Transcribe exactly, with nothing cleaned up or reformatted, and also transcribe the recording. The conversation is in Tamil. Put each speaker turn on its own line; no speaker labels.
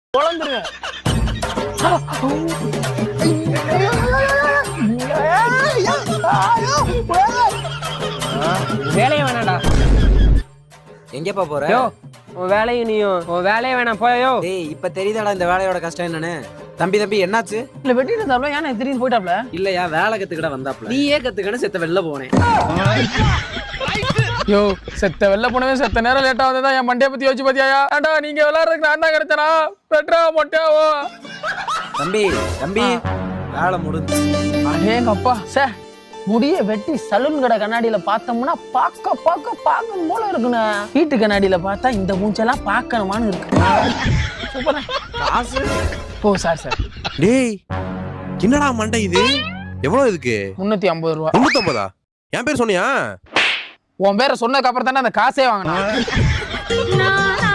குழந்துருவேன். வேலையை வேணாடா.
எங்கப்பா போற?
உன் வேலையும் நீயும் உன் வேலையை வேணாம் போயோ.
டேய் இப்ப தெரியுதாடா இந்த வேலையோட கஷ்டம் என்னன்னு. தம்பி தம்பி என்னாச்சு?
இல்ல வெட்டிட்டு இருந்தாப்ல ஏன்னா திடீர்னு போயிட்டாப்ல.
இல்லையா வேலை கத்துக்கிட வந்தாப்ல. நீயே கத்துக்கணும் செத்த வெளில போனேன்.
யோ செத்த வெளில போனவே செத்த நேரம் லேட்டா வந்ததா என் மண்டைய பத்தி யோசிச்சு பாத்தியா? ஏண்டா நீங்க விளையாடுறதுக்கு நான் தான் கிடைச்சனா? பெட்ரா மொட்டையாவோ.
தம்பி தம்பி வேலை முடிஞ்சு.
அடேங்க அப்பா சார் முடிய வெட்டி சலூன் கடை கண்ணாடியில பார்த்தோம்னா பார்க்க பார்க்க பார்க்கணும் போல இருக்குண்ணே. வீட்டு கண்ணாடியில பார்த்தா இந்த மூஞ்செல்லாம் பார்க்கணுமான்னு இருக்கு. சூப்பரா
காசு.
ஓ சார் சார்.
டேய் என்னடா மண்டை இது? எவ்வளவு இதுக்கு?
முன்னூத்தி ஐம்பது ரூபா.
முன்னூத்தி ஐம்பதா? என் பேர் சொன்னியா?
உன் பேரை சொன்னதுக்கு அப்புறம் தானே அந்த காசே வாங்கினா.